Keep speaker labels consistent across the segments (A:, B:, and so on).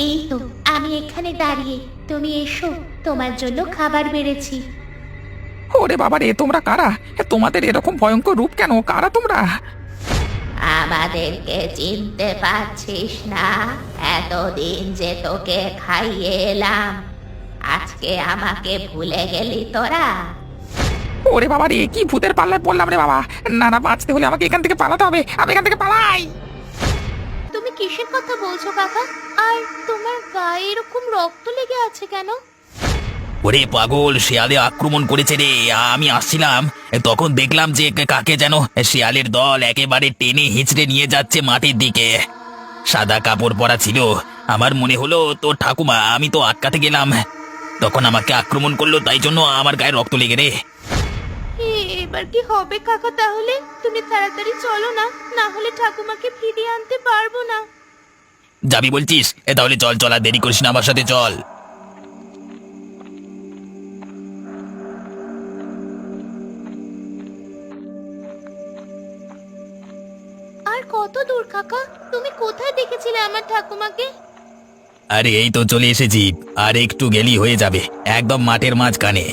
A: এই তো আমি এখানে দাঁড়িয়ে, তুমি এসো, তোমার জন্য খাবার বেড়েছি।
B: ওরে বাবা রে, তোমরা কারা? তোমাদের এরকম ভয়ঙ্কর রূপ কেন? কারা তোমরা?
A: আমাদেরকে চিনতে পারছিস না? এতদিন যে তোকে খাইয়ে এলাম, আজকে আমাকে ভুলে গেলি তোরা?
B: ওরে বাবা রে, কি ভূতের পাল্লায় পড়লাম রে বাবা! না না, বাঁচতে হলে আমাকে এখান থেকে পালাতে হবে, আমি এখান থেকে পালাই।
A: তুমি কিসের কথা বলছো কাকা? আর তোমার গায়ে এরকম রক্ত লেগে আছে কেন?
C: ওরে পাগল, শিয়ালে আক্রমণ করেছে রে। আমি আসছিলাম, তখন দেখলাম যে কাকে যেন শিয়ালের দল একেবারে টেনে হিঁচড়ে নিয়ে যাচ্ছে মাটির দিকে। সাদা কাপড় পরা ছিল, আমার মনে হলো তোর ঠাকুমা। আমি তো আটকাতে গেলাম, তখন আমাকে আক্রমণ করলো, তাই জন্য আমার গায়ে রক্ত লেগে রে।
A: এবার কি হবে কাকা? তাহলে তুমি তাড়াতাড়ি চলো না, না হলে ঠাকুমাকে ফিরিয়ে আনতে পারবো না।
C: যাবি বলছিস? তাহলে চল চল, আর দেরি করিস না, আমার সাথে চল।
A: আর কত দূর কাকা? তুমি কোথায় দেখেছিলে আমার ঠাকুমাকে?
C: আরে এই তো চলে এসেছি, আর একটু গেলি হয়ে যাবে, একদম মাঠের মাঝখানে।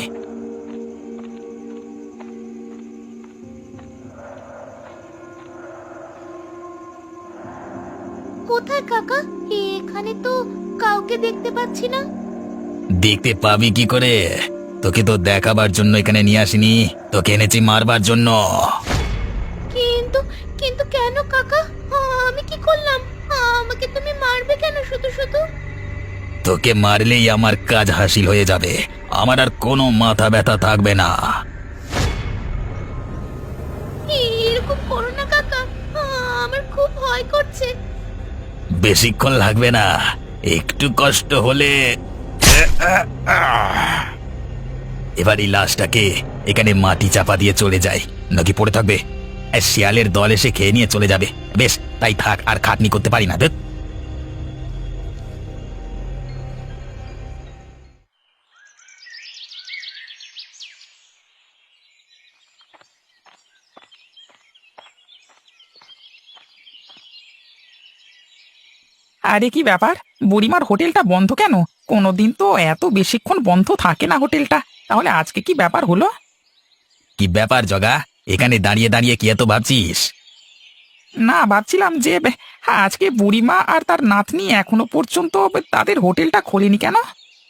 A: কোথায় কাকা? এখানে তো কাউকে দেখতে পাচ্ছি না।
C: দেখতে পাবি কি করে? তোকে তো দেখাবার জন্য এখানে নিয়ে আসিনি, তোকে এনেছি মারবার জন্য।
A: কিন্তু কিন্তু কেন কাকা? আমি কি করলাম? আমাকে তুমি মারবে কেন শুধু শুধু?
C: তোকে মারলেই আমার কাজ হাসিল হয়ে যাবে, আমার আর কোনো মাথা ব্যথা থাকবে না।
A: এরকম করো না কাকা, আমার খুব ভয় করছে।
C: বেশিক্ষণ লাগবে না, একটু কষ্ট হলে। এবার এই লাশটাকে এখানে মাটি চাপা দিয়ে চলে যায়, নাকি পড়ে থাকবে? শিয়ালের দল এসে খেয়ে নিয়ে চলে যাবে। বেশ, তাই থাক, আর খাটনি করতে পারি না। দেখ,
B: আরে কি ব্যাপার, বুড়িমার হোটেলটা বন্ধ কেন? কোনোদিন তো এত বেশিক্ষণ বন্ধ থাকে না হোটেলটা, তাহলে আজকে কি ব্যাপার হলো?
C: কি ব্যাপার জগা? এখানে দাঁড়িয়ে দাঁড়িয়ে কি এত ভাবছিস?
B: না, ভাবছিলাম যে আজকে বুড়িমা আর তার নাতনি এখনো পর্যন্ত তাদের হোটেলটা খোলেনি কেন?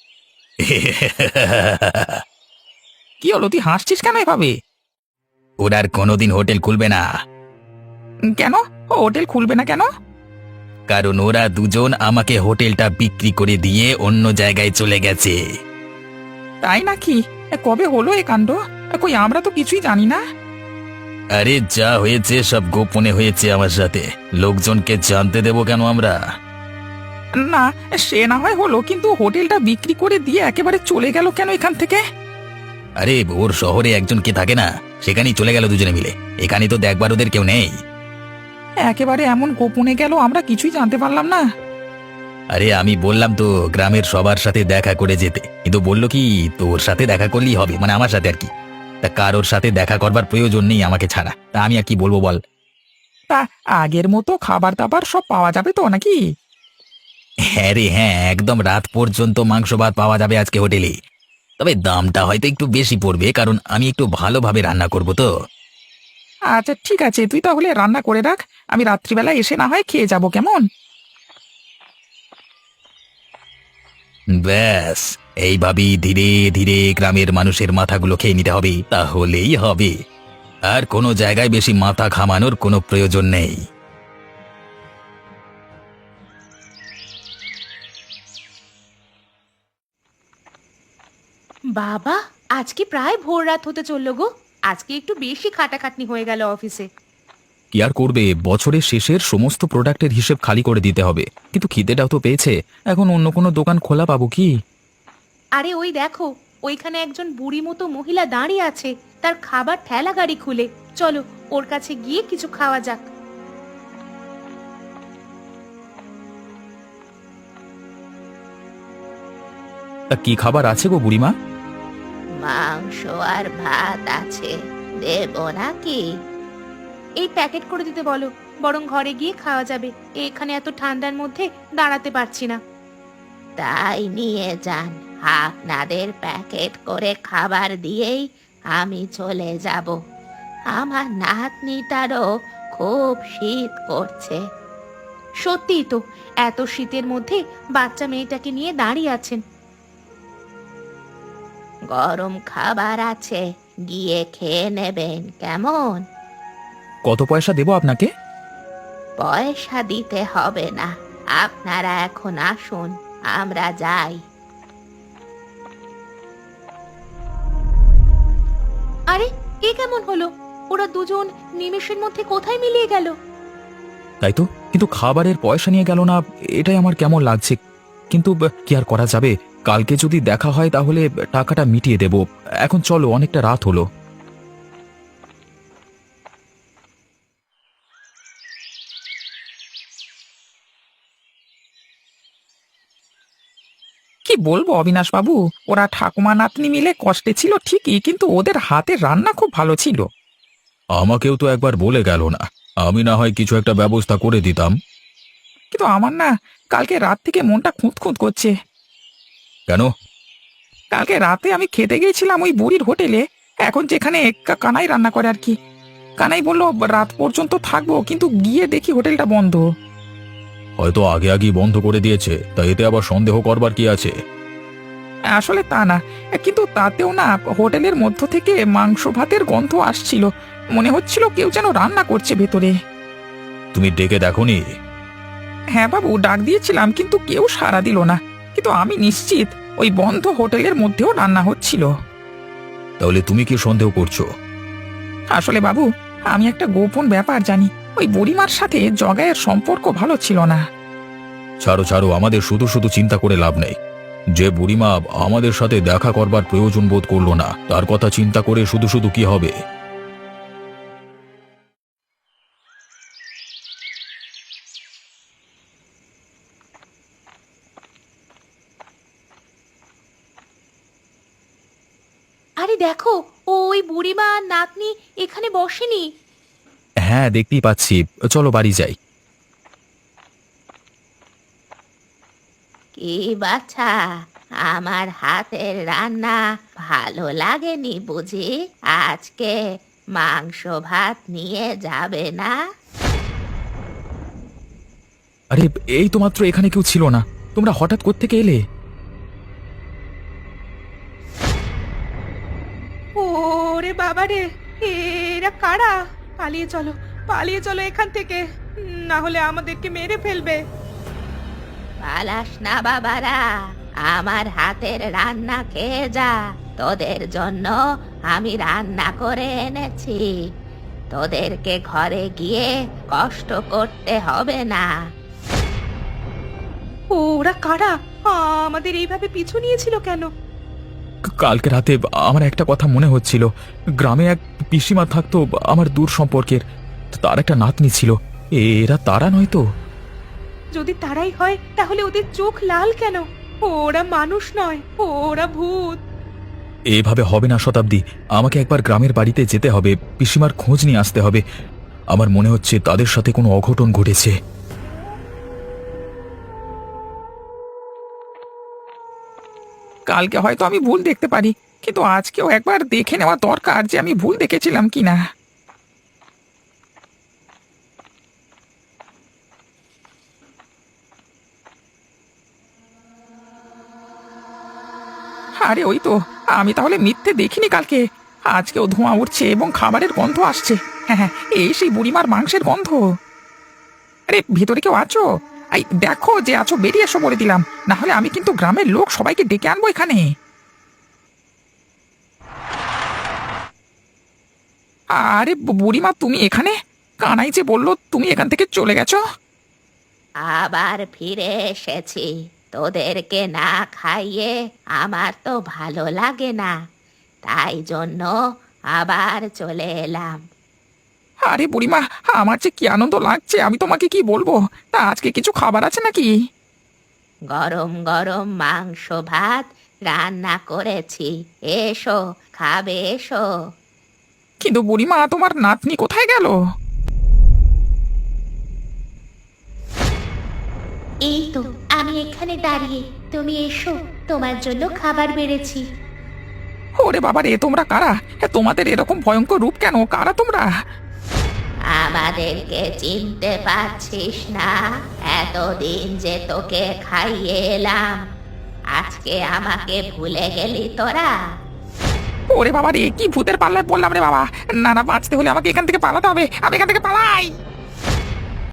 B: কি হলো, তুই হাসছিস কেন এভাবে?
C: ওরা আর কোনোদিন হোটেল খুলবে না,
B: কেন? ও হোটেল খুলবে না কেন?
C: কারণ ওরা দুজন আমাকে হোটেলটা বিক্রি করে দিয়ে অন্য জায়গায় চলে গেছে।
B: তাই নাকি? কবে হলো এ কাণ্ড? কই, আমরা তো কিছুই জানি না।
C: আরে যা হয়েছে সব গোপনে হয়েছে আমার সাথে, লোকজনকে জানতে দেব কেন আমরা?
B: না, সে না হয় হলো, কিন্তু হোটেলটা বিক্রি করে দিয়ে একেবারে চলে গেল কেন এখান থেকে?
C: আরে ওর শহরে একজন কে থাকে না, সেখানেই চলে গেল দুজনে মিলে। এখানে তো দেখবার ওদের কেউ নেই।
B: একেবারে এমন গোপনে গেল, আমরা কিছুই জানতে পারলাম না।
C: আরে আমি বললাম তো গ্রামের সবার সাথে দেখা করে যেতে, কিন্তু বললো কি তোর সাথে দেখা করলেই হবে, মানে আমার সাথে আর কি। তা কারোর সাথে দেখা করবার প্রয়োজন নেই আমাকে ছাড়া, তা আমি আর কি বলবো বল?
B: তা আগের মতো খাবার দাবার সব পাওয়া যাবে তো নাকি?
C: হ্যাঁ রে হ্যাঁ, একদম রাত পর্যন্ত মাংস ভাত পাওয়া যাবে আজকে হোটেলে। তবে দামটা হয়তো একটু বেশি পড়বে, কারণ আমি একটু ভালোভাবে রান্না করব তো।
B: আচ্ছা ঠিক আছে, তুই তাহলে রান্না করে রাখ, আমি রাত্রিবেলা এসে না হয় খেয়ে যাব, কেমন?
C: ব্যাস, এইভাবেই ধীরে ধীরে গ্রামের মানুষের মাথাগুলো খেয়ে নিতে হবে, তাহলেই হবে। আর কোনো জায়গায় বেশি মাথা ঘামানোর কোনো প্রয়োজন নেই।
A: বাবা, আজকে প্রায় ভোর রাত হতে চললো গো। আজকে একটু বেশি খাটাখাটনি হয়ে গেল অফিসে।
D: কি আর করবে, বছরের শেষের সমস্ত প্রোডাক্টের হিসেব খালি করে দিতে হবে, কিন্তু খিদেটাও তো পেয়েছে। এখন অন্য কোনো দোকান খোলা পাবো কি?
A: আরে ওই দেখো, ওইখানে একজন বুড়ি মতো মহিলা দাঁড়িয়ে আছে, তার খাবার ঠেলা গাড়ি খুলে। চলো ওর কাছে গিয়ে কিছু খাওয়া যাক।
D: তা কি খাবার আছে গো বুড়িমা?
A: মাংস আর ভাত আছে, দেব নাকি? এই প্যাকেট করে দিতে বলো, বরং ঘরে গিয়ে খাওয়া যাবে। এখানে এত ঠান্ডার মধ্যে দাঁড়াতে পারছি না। তাই নিয়ে যান, আপনাদের প্যাকেট করে খাবার দিয়েই আমি চলে যাব। আমার নাতনিটারও খুব শীত করছে। সত্যিই তো, এত শীতের মধ্যে বাচ্চা মেয়েটাকে নিয়ে দাঁড়িয়ে আছেন। গরম খাবার আছে, গিয়ে খেয়ে নেবেন কেমন?
D: কত পয়সা দেবো আপনাকে?
A: পয়সা দিতে হবে না, আপনারা এখন আসুন, আমরা যাই। আরে, এ কেমন হলো? ওরা দুজন নিমেষের মধ্যে কোথায় মিলিয়ে গেল?
D: তাই তো, কিন্তু খাবারের পয়সা নিয়ে গেল না, এটাই আমার কেমন লাগছে। কিন্তু কি আর করা যাবে, কালকে যদি দেখা হয় তাহলে টাকাটা মিটিয়ে দেব। এখন চলো, অনেকটা রাত হলো।
B: কি বলবো অবিনাশ বাবু, ওরা ঠাকুমা নাতনি মিলে কষ্টে ছিল ঠিকই, কিন্তু ওদের হাতের রান্না খুব ভালো ছিল।
D: আমাকেও তো একবার বলে গেল না, আমি না হয় কিছু একটা ব্যবস্থা করে দিতাম।
B: কিন্তু আমার না কালকে রাত থেকে মনটা খুঁত খুঁত করছে।
D: কেন?
B: কালকে রাতে আমি খেতে গিয়েছিলাম ওই বুড়ির হোটেলে, এখন যেখানে কানাই রান্না করে আর কি। কানাই বলল রাত পর্যন্ত থাকবো, কিন্তু গিয়ে দেখি হোটেলটা বন্ধ।
D: হয়তো আগে আগেই বন্ধ করে দিয়েছে, তাই এতে আবার সন্দেহ করবার কি আছে?
B: আসলে তা না, কিন্তু তাতেও না হোটেলের মধ্য থেকে মাংস ভাতের গন্ধ আসছিল, মনে হচ্ছিল কেউ যেন রান্না করছে ভেতরে।
D: তুমি ডেকে দেখোনি?
B: হ্যাঁ বাবু, ডাক দিয়েছিলাম কিন্তু কেউ সাড়া দিল না, কিন্তু আমি নিশ্চিত ওই বন্ধ হোটেলের মধ্যেও রান্না হচ্ছিল।
D: তাহলে তুমি কি সন্দেহ করছো?
B: আসলে বাবু, আমি একটা গোপন ব্যাপার জানি, ওই বুড়িমার সাথে জগায়ের সম্পর্ক ভালো ছিল না।
D: ছাড়ো ছাড়ো, আমাদের শুধু শুধু চিন্তা করে লাভ নেই। যে বুড়িমা আমাদের সাথে দেখা করবার প্রয়োজন বোধ করলো না, তার কথা চিন্তা করে শুধু শুধু কি হবে?
A: আরে দেখো, ওই বুড়িমা আর নাতনি এখানে বসেনি।
D: হ্যাঁ, দেখতেই পাচ্ছি, চলো বাড়ি যাই।
A: কি বাছা, আমার হাতের রান্না ভালো লাগেনি বুঝি? আজকে মাংস ভাত নিয়ে যাবে না?
D: আরে, এই তো মাত্র এখানে কেউ ছিল না, তোমরা হঠাৎ কোত্থেকে এলে?
E: ওরে বাবা রে, এরা কারা? পালিয়ে চলো, পালিয়ে চলো এখান থেকে, না হলে আমাদেরকে মেরে ফেলবে।
A: পালাস না বাবারা, আমার হাতের রান্না খেয়ে যা। তোদের জন্য আমি রান্না করে এনেছি, তোদেরকে ঘরে গিয়ে কষ্ট করতে হবে না।
E: ওরা কারা? আমাদের এইভাবে পিছু নিয়েছিল কেন?
D: কালকে রাতে আমার একটা কথা মনে হচ্ছিল, গ্রামে এক পিসিমা থাকতো আমার দূর সম্পর্কের, তার একটা নাতনি ছিল। এরা তারা নয় তো?
E: যদি তারাই হয় তাহলে ওদের চোখ লাল কেন? ওরা মানুষ নয়, ওরা ভূত।
D: এভাবে হবে না শতাব্দী, আমাকে একবার গ্রামের বাড়িতে যেতে হবে, পিসিমার খোঁজ নিয়ে আসতে হবে। আমার মনে হচ্ছে তাদের সাথে কোনো অঘটন ঘটেছে।
B: কালকে হয়তো আমি ভুল দেখতে পারি, কিন্তু আজকেও একবার দেখে নেওয়া দরকার যে আমি ভুল দেখেছিলাম কিনা। আরে ওই তো, আমি তাহলে মিথ্যে দেখিনি কালকে। আজকেও ধোঁয়া উঠছে এবং খাবারের গন্ধ আসছে। হ্যাঁ হ্যাঁ, এই সেই বুড়িমার মাংসের গন্ধ। আরে ভিতরে কেউ আছো? এই দেখো যে আছো, বেরিয়ে এসো বলে দিলাম, না হলে আমি কিন্তু গ্রামের লোক সবাইকে ডেকে আনবো এখানে। আরে বুড়িমা, তুমি এখানে? কানাই যে বললো তুমি এখান থেকে চলে গেছো।
A: আবার ফিরে এসেছি, তোদেরকে না খাইয়ে আমার তো ভালো লাগে না, তাই জন্য আবার চলে এলাম।
B: আরে বুড়িমা, আমার যে কি আনন্দ লাগছে আমি তোমাকে কি বলবো। তা আজকে কিছু খাবার আছে নাকি?
A: গরম গরম মাংস ভাত রান্না করেছি, এসো খাবে এসো।
B: কিন্তু বুড়িমা, তোমার নাতনি কোথায় গেল?
A: এই তো আমি এখানে দাঁড়িয়ে, তুমি এসো, তোমার জন্য খাবার বেড়েছি।
B: ওরে বাবা রে, তোমরা কারা? তোমাদের এরকম ভয়ঙ্কর রূপ কেন? কারা তোমরা?
A: আমাদেরকে চিনতে পারছিস না? এতদিন যে তোকে খাইয়ে এলাম, আজকে আমাকে ভুলে গেলি তোরা?
B: ওরে বাবা রে, কি ভূতের পাল্লায় পড়লাম রে বাবা! না না, বাঁচতে হলে আমাকে এখান থেকে পালাতে হবে। আমি এখান থেকে পালাই।